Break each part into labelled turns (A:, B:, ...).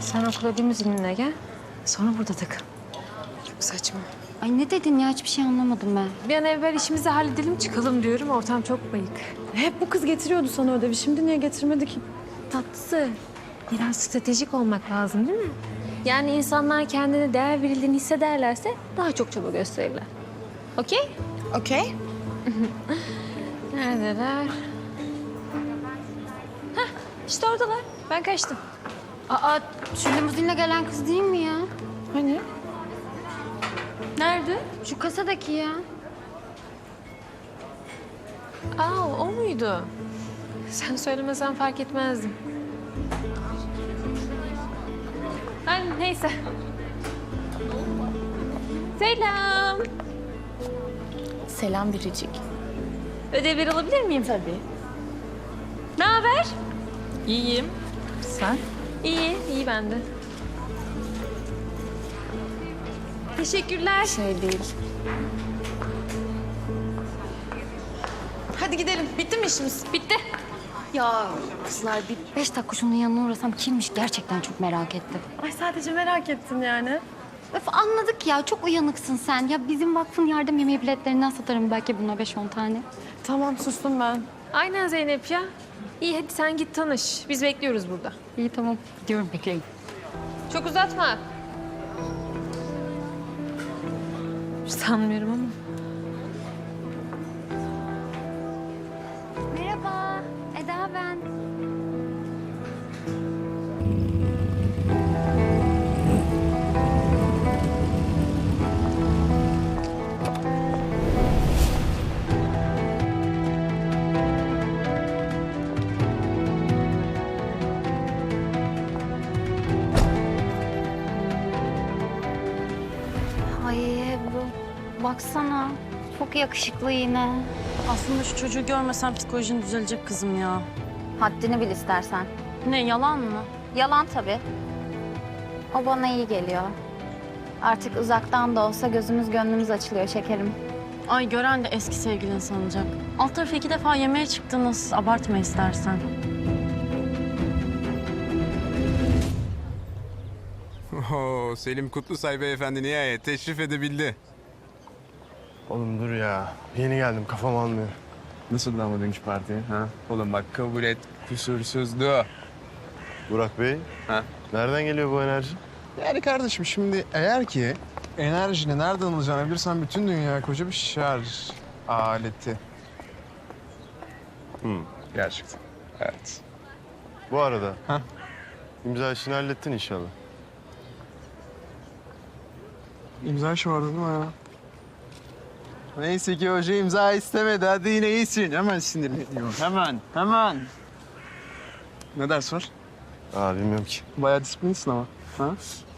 A: Sen okula limuzinle gel. Sonra burada takıl.
B: Çok saçma.
C: Ay ne dedin ya? Hiçbir şey anlamadım ben.
A: Bir an evvel işimizi halledelim çıkalım diyorum. Ortam çok bayık.
B: Hep bu kız getiriyordu sana ödevi. Şimdi niye getirmedi ki?
A: Tatlısı. Biraz stratejik olmak lazım değil mi? Yani insanlar kendine değer verildiğini hissederlerse daha çok çaba gösterirler. Okey?
B: Okey.
A: Neredeler? Hah, işte oradalar. Ben kaçtım.
C: Aa, şu limuzinle gelen kız değil mi ya?
B: Hani?
A: Nerede?
C: Şu kasadaki ya.
A: Aa, o muydu? Sen söylemesen fark etmezdim. Neyse. Selam.
B: Selam Biricik.
A: Ödevleri alabilir miyim?
B: Tabii.
A: Ne haber?
B: İyiyim. Sen?
A: İyi, iyi bende. Teşekkürler.
B: Şey değil. Hadi gidelim. Bitti mi işimiz?
A: Bitti.
C: Ya kızlar bir 5 dakika şunun yanına uğrasam kimmiş gerçekten çok merak ettim.
B: Ay sadece merak ettim yani.
C: Öf anladık ya çok uyanıksın sen. Ya bizim vakfın yardım yemeği biletlerinden satarım belki buna 5-10 tane.
B: Tamam sustum ben.
A: Aynen Zeynep ya. İyi hadi sen git tanış. Biz bekliyoruz burada.
C: İyi tamam gidiyorum bekleyin.
A: Çok uzatma. Sanmıyorum ama.
C: Merhaba Eda ben. Ay bu baksana çok yakışıklı yine.
D: Aslında şu çocuğu görmesem psikolojin düzelecek kızım ya.
C: Haddini bil istersen.
D: Ne yalan mı?
C: Yalan tabii. O bana iyi geliyor. Artık uzaktan da olsa gözümüz gönlümüz açılıyor şekerim.
D: Ay gören de eski sevgilin sanacak. Alt tarafı 2 defa yemeğe çıktınız. Abartma istersen.
E: Oo, Selim Kutlusay beyefendi nihayet teşrif edebildi.
F: Oğlum dur ya. Yeni geldim kafam almıyor.
E: Nasıl ama dünkü parti? Ha? Oğlum bak kabul et kusursuzdu.
F: Burak Bey,
E: Ha?
F: nereden geliyor bu enerji?
G: Yani kardeşim şimdi eğer ki enerjini nereden alacağını bilirsen bütün dünya koca bir şarj aleti.
E: Gerçekten. Evet.
F: Bu arada.
G: Heh.
F: İmza işini hallettin inşallah.
G: İmza işi vardı değil mi ya? Neyse ki hoca imza istemedi. Hadi yine iyisin. Hemen sinirleniyor. Hemen. Ne ders var?
F: Aa bilmiyorum ki.
G: Bayağı disiplinsin ama. Ha?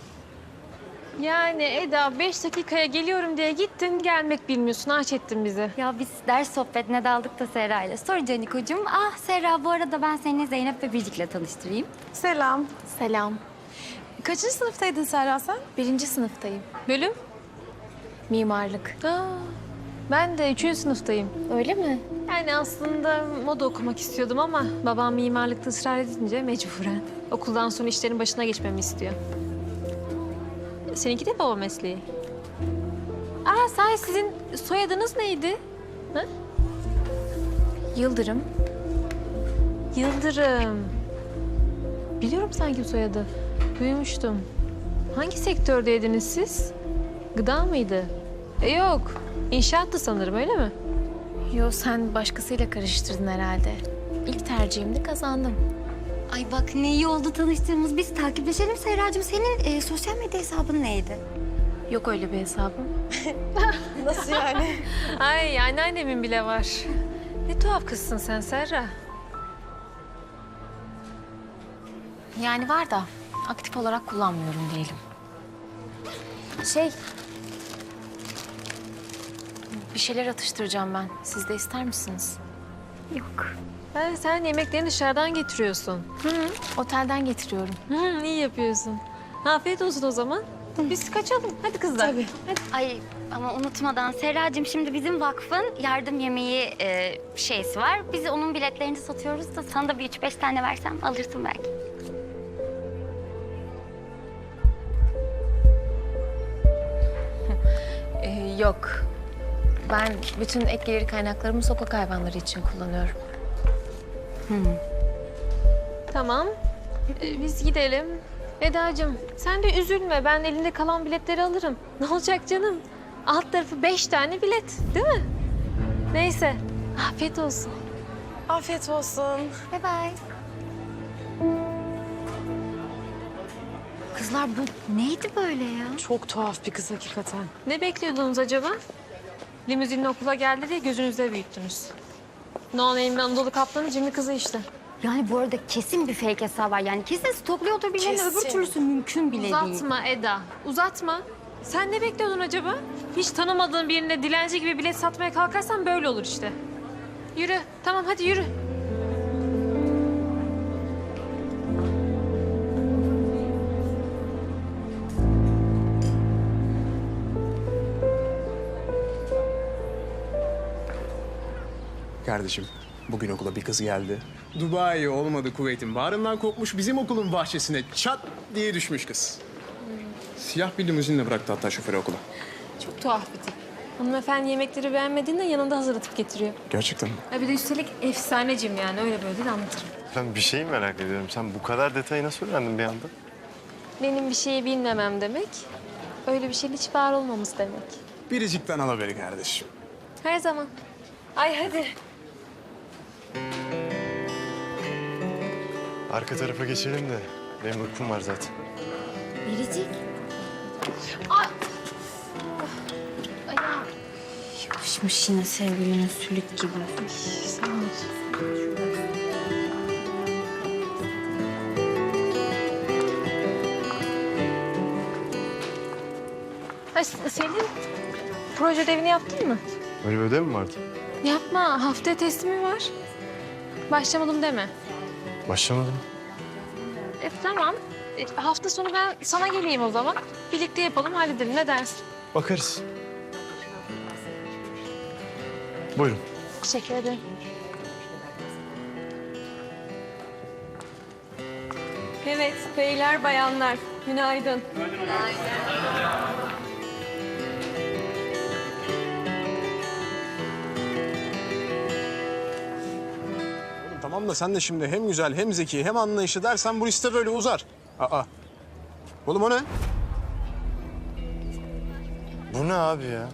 A: Yani Eda 5 dakikaya geliyorum diye gittin gelmek bilmiyorsun. Aç ettin bizi.
C: Ya biz ders sohbetine daldık da Serra ile. Sor Canikocuğum. Ah Serra bu arada ben seni Zeynep ve Biricik'le tanıştırayım.
B: Selam. Selam. Kaçıncı sınıftaydın Serra sen?
A: 1. sınıftayım. Bölüm?
B: Mimarlık.
A: Aa, ben de 3. sınıftayım.
B: Öyle mi?
A: Yani aslında moda okumak istiyordum ama babam mimarlıkta ısrar edince mecburen. Okuldan sonra işlerin başına geçmemi istiyor. Seninki de baba mesleği. Aa, sahi sizin soyadınız neydi? Ha?
B: Yıldırım.
A: Yıldırım. Biliyorum sanki bu soyadı. Duymuştum. Hangi sektördeydiniz siz? Gıda mıydı? Yok. İnşaattı sanırım öyle mi?
B: Yo sen başkasıyla karıştırdın herhalde. İlk tercihimde kazandım.
C: Ay bak ne iyi oldu tanıştığımız. Biz takipleşelim Serracığım. Senin sosyal medya hesabın neydi?
B: Yok öyle bir hesabım. Nasıl yani?
A: Ay anneannemin bile var. Ne tuhaf kızsın sen Serra.
B: Yani var da aktif olarak kullanmıyorum diyelim. Bir şeyler atıştıracağım ben. Siz de ister misiniz?
A: Ha, sen yemeklerini dışarıdan getiriyorsun.
B: Otelden getiriyorum.
A: İyi yapıyorsun. Afiyet olsun o zaman. Biz kaçalım. Hadi kızlar.
B: Tabii.
C: Ay ama unutmadan Serracığım şimdi bizim vakfın yardım yemeği şeysi var. Biz onun biletlerini satıyoruz da sana da bir 3-5 tane versem alırsın belki.
B: Yok. Ben bütün ek gelir kaynaklarımı sokak hayvanları için kullanıyorum.
A: Tamam. Biz gidelim. Eda'cığım sen de üzülme. Ben elinde kalan biletleri alırım. Ne olacak canım? Alt tarafı 5 tane bilet, değil mi? Neyse. Afiyet olsun.
B: Afiyet olsun.
C: Bye bye. Kızlar bu neydi böyle ya?
D: Çok tuhaf bir kız hakikaten.
A: Ne bekliyordunuz acaba? Limuzinle okula geldi diye gözünüzde büyüttünüz. No Name'in Anadolu Kaplanı cimri kızı işte.
C: Yani bu arada kesin bir fake hesabı var. Yani kesin stokluyordur birilerini. Öbür türlüsü mümkün bile değil.
A: Uzatma Eda, uzatma. Sen ne bekliyordun acaba? Hiç tanımadığın birine dilenci gibi bilet satmaya kalkarsan böyle olur işte. Yürü, tamam hadi yürü.
F: Kardeşim, bugün okula bir kız geldi. Dubai olmadı Kuveyt'in bağrından kopmuş bizim okulun bahçesine çat diye düşmüş kız. Siyah bir limuzinle bıraktı hatta şoförü okula.
A: Çok tuhaf bir tip. Hanımefendi yemekleri beğenmediğinde yanında hazırlatıp getiriyor.
F: Gerçekten mi?
A: Ha bir de üstelik efsanecim yani öyle böyle değil anlatırım.
F: Ben bir şey merak ediyorum. Sen bu kadar detayı nasıl öğrendin bir anda?
A: Benim bir şeyi bilmemem demek, öyle bir şeyin hiç var olmamız demek.
F: Biricikten al haberi kardeşim.
A: Her zaman. Ay hadi.
F: Arka tarafa geçelim de benim uykum var zaten.
C: Biricik.
D: Yapışmış yine sevgilinin sülük gibi.
A: Ay Selin, proje ödevini yaptın mı?
F: Öyle bir ödev mi vardı?
A: Yapma, haftaya teslimi var. Başlamadım deme.
F: Başlamadım.
A: Tamam. Hafta sonu ben sana geleyim o zaman. Birlikte yapalım, halledelim. Ne dersin?
F: Bakarız. Buyurun.
A: Teşekkür ederim. Evet, beyler, bayanlar. Günaydın.
F: Tamam da sen de şimdi hem güzel hem zeki hem anlayışlı dersen bu liste böyle uzar. Aa. Oğlum o ne? Bu ne abi ya?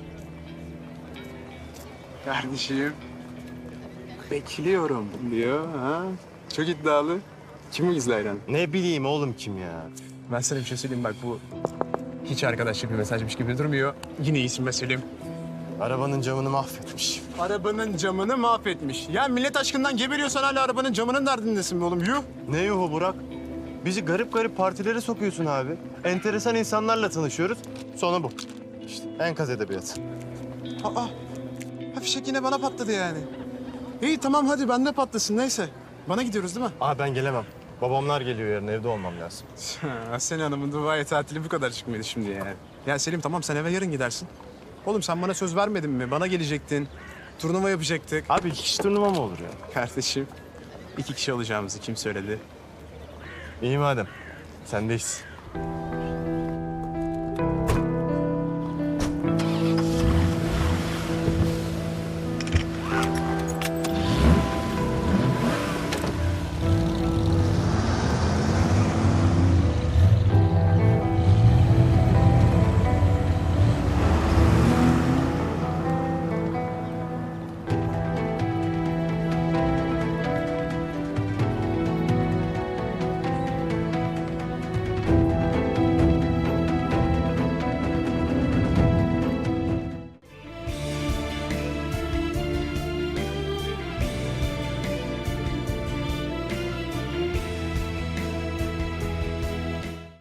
G: Kardeşim. Bekliyorum diyor ha. Çok iddialı. Kim bu gizli hayran?
F: Ne bileyim oğlum kim ya?
E: Ben sana bir şey söyleyeyim bak bu hiç arkadaşlık bir mesajmış gibi durmuyor. Yine iyisin be Selim.
F: Arabanın camını mahvetmiş.
G: Arabanın camını mahvetmiş. Ya millet aşkından geberiyorsan hala arabanın camının derdindesin be oğlum. Yuh.
F: Ne yuhu Burak? Bizi garip garip partilere sokuyorsun abi. Enteresan insanlarla tanışıyoruz. Sonu bu. İşte enkaz edebiyatı.
G: Aa. Ha fişek yine bana patladı yani. İyi tamam hadi bende patlasın neyse. Bana gidiyoruz değil mi?
F: Abi ben gelemem. Babamlar geliyor yarın evde olmam lazım.
G: Aslen Hanım'ın Dubai tatili bu kadar çıkmıyordu şimdi yani. Ya Selim tamam sen eve yarın gidersin. Oğlum sen bana söz vermedin mi? Bana gelecektin. Turnuva yapacaktık.
F: Abi 2 kişi turnuva mı olur ya?
G: Kardeşim 2 kişi olacağımızı kim söyledi?
F: İyi madem. Sendeyiz.